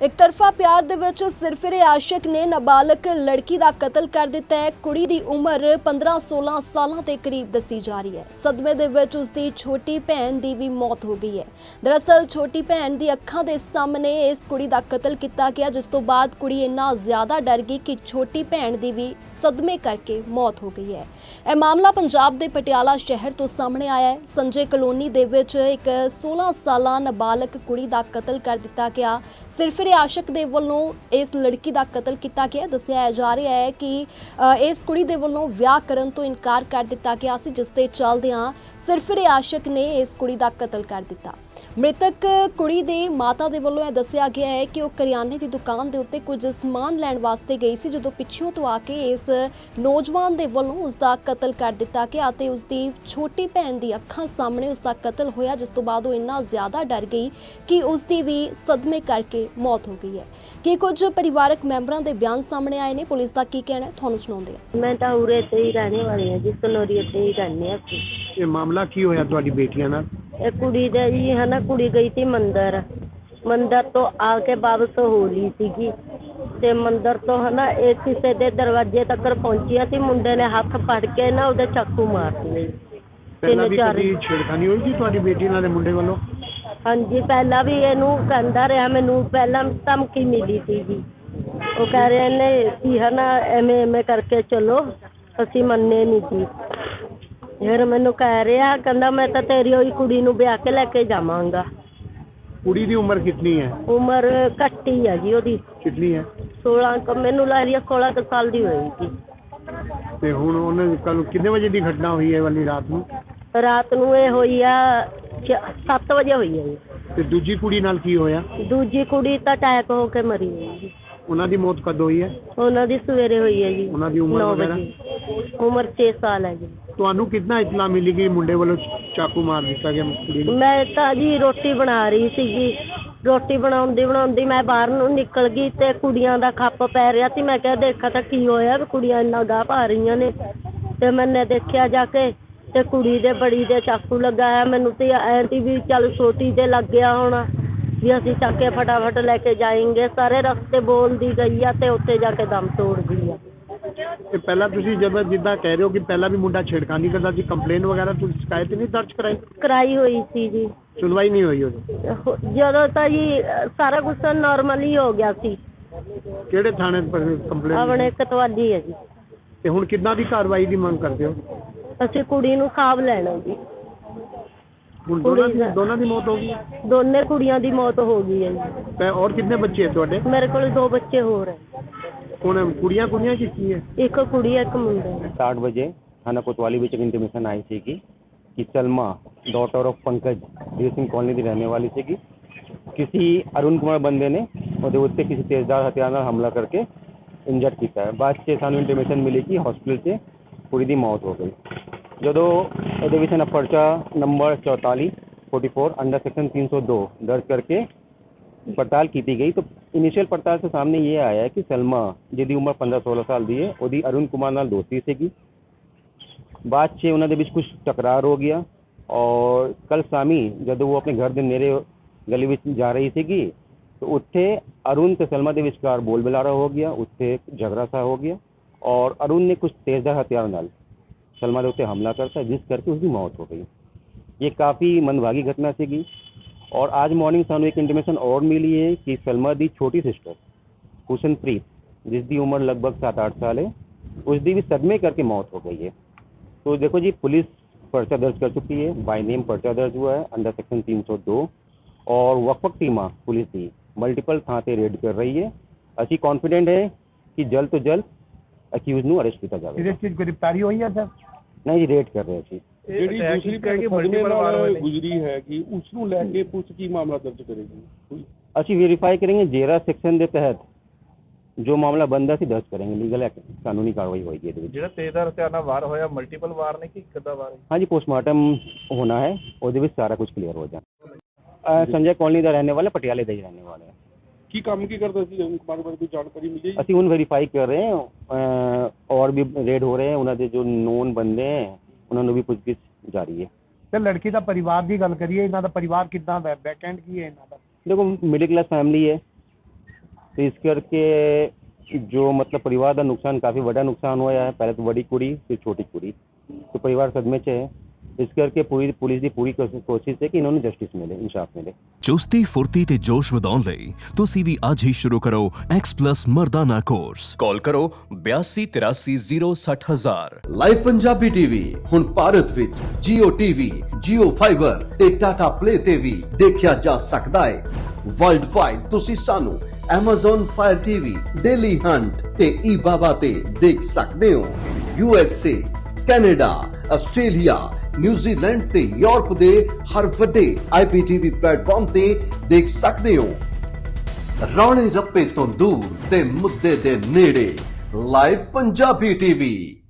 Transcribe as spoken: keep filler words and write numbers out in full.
एक तरफा प्यार दे विच सिरफिरे आशिक ने नाबालग लड़की का कतल कर दिता है। कुड़ी दी उम्र पंद्रह सोलह सालों के करीब दसी जा रही है। सदमे दे विच उसदी छोटी भैन दी भी मौत हो गई है। दरअसल छोटी भैन दी अखां दे सामने इस कुड़ी का कतल किया गया, जिस तो बाद कुड़ी इन्ना ज्यादा डर गई कि छोटी भैन दी भी सदमे करके मौत हो गई है। यह मामला पंजाब के पटियाला शहर तो सामने आया है। संजय कलोनी दे विच एक सोलह साला नाबालग कुड़ी का कतल कर दिता गया। सिरफिरे आशिक दे वल्लों इस लड़की का कतल किया गया। दस्सिया जा रहा है कि इस कुड़ी दे वल्लों विआह करन तो इनकार कर दिता गया सी, जिस दे चलदियां सिरफिरे आशिक ने इस कुड़ी का कतल कर दिता। मृतक कुड़ी दे माता दे वल्लों यह दस्सिया गया है कि वह करियाने की दुकान के उत्ते कुछ समान लैण वास्ते गई सी, जदों पिछों तो आके इस नौजवान दे वल्लों उसका कतल कर दिता गया ते उसकी छोटी भैन की अखां सामने उसका कतल होया, जिस तो बाद वो इन्ना ज़्यादा डर गई कि उसकी भी सदमे करके मौत हो गई है। कि कुछ परिवारक मैंबरां दे बयान सामने आए ने, पुलिस का की कहना है तुहानूं सुणाउंदे हां। मैं तो उरे ते ही रहने वाली हूँ जी, कनौरिया ते ही रहने असीं। ये मामला की होया तुहाडी बेटियां नाल? ये कुड़ी दे जी है ना, कुड़ी गई थी मंदिर, मंदिर तो आके वापस हो ली सीगी ते मंदिर तो है ना एक किसी दे दरवाजे तक पहुंची थी। मुंडे ने हाथ फड़ के ना उहदे चाकू मार दिए। पहला भी कभी छेड़खानी हुई थी तुहाडी बेटी नाल मुंडे वालों? हाँ जी, पहला भी इनू कहता रहा, मैनू पहला धमकी मिली थी जी। वो कह रहे ने कि है ना एवें एवें करके चलो, असीं मन्ने नहीं थी। फिर मैनू कह रहा, कहता मैं तो तेरी ही कुड़ी नूं ब्याह के लेके जावांगा। कुड़ी दी उम्र कितनी है? उम्र घट ही है जी ओदी। कितनी है? सोलह मैनू लग रही है सोलह के साल की होएगी। ते हुण ओने कल कितने बजे की घटना हुई है वाली रात नूं? रात नूं ये होई आ सत्त वजे होई है जी। ते दूजी कुड़ी नाल की होया? दूजी कुड़ी तो अटैक हो के मरी है जी। उन्हां दी मौत कद हुई है? उन्हां दी सवेरे हुई है जी। उन्हां दी उम्र नौ वगैरह? बजे। उम्र छे साल है जी। ਤੁਹਾਨੂੰ कितना इतला मिली कि मुंडे वालों चाकू मार दिता गया कुड़ी ਨੂੰ? मैं तो जी रोटी बना रही सीगी, रोटी बनाउंदी बनाउंदी मैं बाहर ਨੂੰ निकल गई ते कुड़ियां दा खप पै रिहा सी। मैं क्या देखा तो की होया भी कुड़ियां इन्ना गाह पा रही ने, ते मैंने देखिया जाके ते कुड़ी दे बड़ी दे चाकू लगाया। मैनू तो ऐ थी भी चल छोटी दे लग गया होना भी असीं चक के फटाफट लेके जाएंगे। सारे रस्ते बोलदी गई आ ते उत्थे जाके दम तोड़ गई आ। ਤੇ ਪਹਿਲਾਂ ਤੁਸੀਂ ਜਦੋਂ ਜਿੱਦਾਂ ਕਹਿ ਰਹੇ ਹੋ ਕਿ ਪਹਿਲਾਂ ਵੀ ਮੁੰਡਾ ਛੇੜਖਾਨੀ ਕਰਦਾ ਸੀ, ਕੰਪਲੇਨ ਵਗੈਰਾ ਤੁਸੀਂ ਸ਼ਿਕਾਇਤ ਨਹੀਂ ਦਰਜ ਕਰਾਈ? कराई हुई सी जी। ਸੁਣਵਾਈ ਨਹੀਂ ਹੋਈ ਉਹਦੀ? ਜਦੋਂ ਤਾਂ ਜੀ ਸਾਰਾ ਕੁਝ ਨਾਰਮਲ ਹੀ ਹੋ ਗਿਆ ਸੀ। ਕਿਹੜੇ ਥਾਣੇ ਪਰ ਕੰਪਲੇਨ? ਆਪਣੇ ਕਤਵਾਲੀ ਹੈ ਜੀ। ਤੇ ਹੁਣ ਕਿੱਦਾਂ ਦੀ ਕਾਰਵਾਈ ਦੀ ਮੰਗ ਕਰਦੇ ਹੋ? ਅਸੀਂ ਕੁੜੀ ਨੂੰ ਖਾਬ ਲੈਣਾ ਜੀ। ਹੁਣ ਦੋਨਾਂ ਦੀ ਦੋਨਾਂ ਦੀ ਮੌਤ ਹੋ ਗਈ? ਦੋਨੇ ਕੁੜੀਆਂ ਦੀ ਮੌਤ ਹੋ ਗਈ ਹੈ ਜੀ। ਤੇ ਔਰ ਕਿੰਨੇ ਬੱਚੇ ਹੈ ਤੁਹਾਡੇ? ਮੇਰੇ ਕੋਲ ਦੋ ਬੱਚੇ ਹੋਰ ਹੈ। ਹੁਣ ਕੁੜੀਆਂ ਕੁੜੀਆਂ ਕੀ ਕੀ ਹੈ? ਇੱਕ ਕੁੜੀ ਹੈ, ਇੱਕ ਮੁੰਡਾ ਹੈ। साठ बजे थाना कोतवाली ਵਿੱਚ एक इंटीमेशन आई थी कि Salma daughter of Pankaj Veer Singh colony की रहने वाली थी। किसी अरुण कुमार बंदे ने ਉਹਦੇ ਉੱਤੇ किसी तेजदार हथियार ਨਾਲ हमला करके इंजर्ड ਕੀਤਾ ਹੈ। ਬਾਅਦ 'ਚ ਸਾਨੂੰ इंटीमेशन मिली कि हॉस्पिटल 'ਚ ਕੁੜੀ ਦੀ मौत हो गई। ਜਦੋਂ ਇਹਦੇ ਵਿੱਚ ਨਾ ਪਰਚਾ नंबर चौतालीस चौवालीस अंडर सेक्शन तीन सौ दो दर्ज करके पड़ताल की गई। तो इनिशियल पड़ताल से सामने ये आया है कि सलमा जिहदी उम्र पंद्रह सोलह साल की है, ਉਹਦੀ अरुण कुमार नाल दोस्ती ਸੀਗੀ। ਬਾਅਦ 'ਚ ਉਹਨਾਂ ਦੇ ਵਿੱਚ ਕੁਝ ਟਕਰਾਰ ਹੋ ਗਿਆ ਔਰ ਕੱਲ ਸ਼ਾਮੀ ਜਦੋਂ ਉਹ ਆਪਣੇ ਘਰ ਦੇ ਨੇੜੇ ਗਲੀ ਵਿੱਚ ਜਾ ਰਹੀ ਸੀਗੀ तो ਉੱਥੇ अरुण ਤੇ सलमा ਦੇ ਵਿਚਕਾਰ ਬੋਲ ਬੁਲਾਰਾ ਹੋ ਗਿਆ। ਉੱਥੇ झगड़ा सा हो गया और अरुण ने कुछ तेजदार हथियार ਨਾਲ सलमा ਦੇ ਉੱਤੇ हमला करता, जिस करके उसकी मौत हो गई। ये काफ़ी मंदभागी घटना ਸੀਗੀ। और आज मॉर्निंग सानू एक इंटीमेशन और मिली है कि सलमा की छोटी सिस्टर हुसनप्रीत जिसकी उम्र लगभग सात आठ साल है, उसकी भी सदमे करके मौत हो गई है। तो देखो जी, पुलिस पर्चा दर्ज कर चुकी है, बाय नेम पर्चा दर्ज हुआ है अंडर सेक्शन तीन सौ दो और वक्फक टीमा पुलिस की मल्टीपल थां से रेड कर रही है। असी कॉन्फिडेंट है कि जल्द तो जल्द अक्यूज ਨੂੰ अरेस्ट किया जाएगा। ਇਹਦੇ ਚ ਗ੍ਰਿਫਤਾਰੀ ਹੋਈ ਹੈ ਸਰ? नहीं जी, रेड कर रहे हैं जी। ਜਿਹੜੀ ਦੂਸਰੀ ਭੈਣ ਸਦਮੇ ਨਾਲ ਗੁਜ਼ਰੀ ਹੈ ਕਿ ਉਸ ਨੂੰ ਲੈ ਕੇ ਪੁਲਿਸ ਕੀ ਮਾਮਲਾ ਦਰਜ ਕਰੇਗੀ? ਅਸੀਂ वेरीफाई करेंगे जेरा सेक्शन के तहत जो मामला बनता सी दर्ज करेंगे, लीगल कानूनी कार्रवाई होगी। ਇਹਦੇ ਵਿੱਚ ਜਿਹੜਾ ਤੇਜ਼ਦਾਰ ਹਥਿਆਰ ਨਾਲ ਵਾਰ ਹੋਇਆ ਮਲਟੀਪਲ ਵਾਰ ਨੇ ਕਿ ਇੱਕ ਅੱਧਾ ਵਾਰ? हाँ जी, पोस्टमार्टम होना है, ਉਹਦੇ ਵਿੱਚ सारा कुछ क्लियर हो जाए। संजय कॉलोनी का रहने वाला, पटियाले का ही रहने वाला है। ਕੀ ਕੰਮ ਕੀ ਕਰਦਾ ਸੀ ਅरुण ਕੁਮਾਰ ਬਾਰੇ ਕੋਈ ਜਾਣਕਾਰੀ ਮਿਲੀ? ਅਸੀਂ ਹੁਣ वेरीफाई कर रहे हैं अ, और भी रेड हो रहे हैं। ਉਹਨਾਂ ਦੇ ਜੋ नोन बंदे हैं ਉਹਨਾਂ ਨੂੰ ਵੀ ਪੁੱਛਗਿੱਛ ਜਾਰੀ ਹੈ। ਤੇ ਲੜਕੀ ਦਾ ਪਰਿਵਾਰ ਦੀ ਗੱਲ ਕਰੀਏ, ਇਹਨਾਂ ਦਾ ਪਰਿਵਾਰ ਕਿੱਦਾਂ ਦਾ? ਬੈਕਐਂਡ ਕੀ ਹੈ ਇਹਨਾਂ ਦਾ? देखो, मिडिल क्लास फैमिली है ਤੇ ਇਸ ਕਰਕੇ ਜੋ ਮਤਲਬ ਪਰਿਵਾਰ ਦਾ ਨੁਕਸਾਨ ਕਾਫੀ ਵੱਡਾ ਨੁਕਸਾਨ ਹੋਇਆ ਹੈ। ਪਹਿਲੇ ਤਾਂ ਵੱਡੀ ਕੁੜੀ ਫਿਰ ਛੋਟੀ ਕੁੜੀ, तो परिवार सदमे च है। इस करके पूरी पुलिस की पूरी कोशिश है कि इन्होंने जस्टिस मिले, इंसाफ मिले। ਚੁਸਤੀ ਫੁਰਤੀ ਤੇ ਜੋਸ਼ ਵਧਾਉਣ ਲਈ ਤੁਸੀਂ ਵੀ ਅੱਜ ਹੀ ਸ਼ੁਰੂ ਕਰੋ X Plus ਮਰਦਾਨਾ ਕੋਰਸ। ਕਾਲ ਕਰੋ ਬਿਆਸੀ ਤਿਰਾਸੀ ਜ਼ੀਰੋ ਸੱਠ ਹਜ਼ਾਰ। ਲਾਈਵ ਪੰਜਾਬੀ ਟੀਵੀ ਹੁਣ ਭਾਰਤ ਵਿੱਚ Jio T V, Jio Fiber ਤੇ Tata Play ਤੇ ਵੀ ਦੇਖਿਆ ਜਾ ਸਕਦਾ ਹੈ। ਵਰਲਡ ਵਾਈਡ ਤੁਸੀਂ ਸਾਨੂੰ Amazon Fire T V, Daily Hunt ਤੇ eBaba ਤੇ ਦੇਖ ਸਕਦੇ ਹੋ। U S A, Canada, Australia, New Zealand ਤੇ ਯੂਰਪ ਦੇ ਹਰ ਵੱਡੇ I P T V platform ਤੇ ਦੇਖ ਸਕਦੇ ਹੋ। ਰੌਲੇ ਰੱਪੇ ਤੋਂ ਦੂਰ ਤੇ ਮੁੱਦੇ ਦੇ ਨੇੜੇ ਲਾਈਵ ਪੰਜਾਬੀ ਟੀਵੀ।